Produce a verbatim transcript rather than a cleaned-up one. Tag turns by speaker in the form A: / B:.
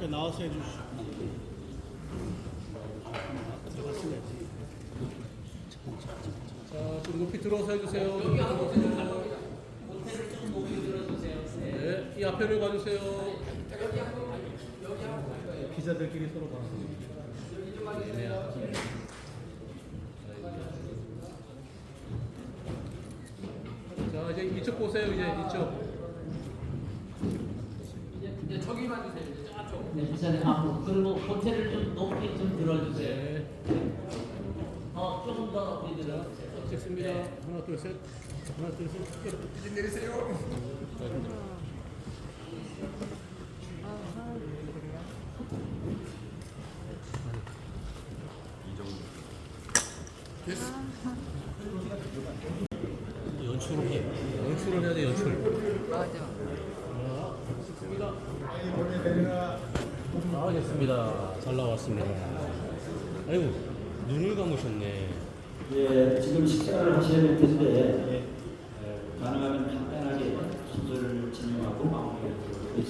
A: 나와서 해주시죠. 들어갔어야지.
B: 자, 좀 높이 들어서 해주세요. 높이 들어서. 네, 이 앞에를 봐주세요.
A: 기자들끼리 서로 봐.
B: 자, 이제 이쪽 보세요. 이제 이쪽.
C: 이제 저기만 주세요. 이제 저쪽. 네, 기사님 앞으로 그리고 호텔을 좀 높이 좀 들어주세요.
B: 네.
C: 어, 조금 더 높이 들어주세요.
B: 찍습니다. 하나, 둘, 셋. 하나, 둘, 셋. 이제 내리세요. 됐어.
A: 연출을 해.
B: 연출을 해야 돼, 연출.
D: 맞아.
B: 자, 찍습니다.
A: 아, 됐습니다. 잘 나왔습니다. 아이고, 눈을 감으셨네.
E: 예, 지금 식사를 하셔야 될 텐데, 예, 가능하면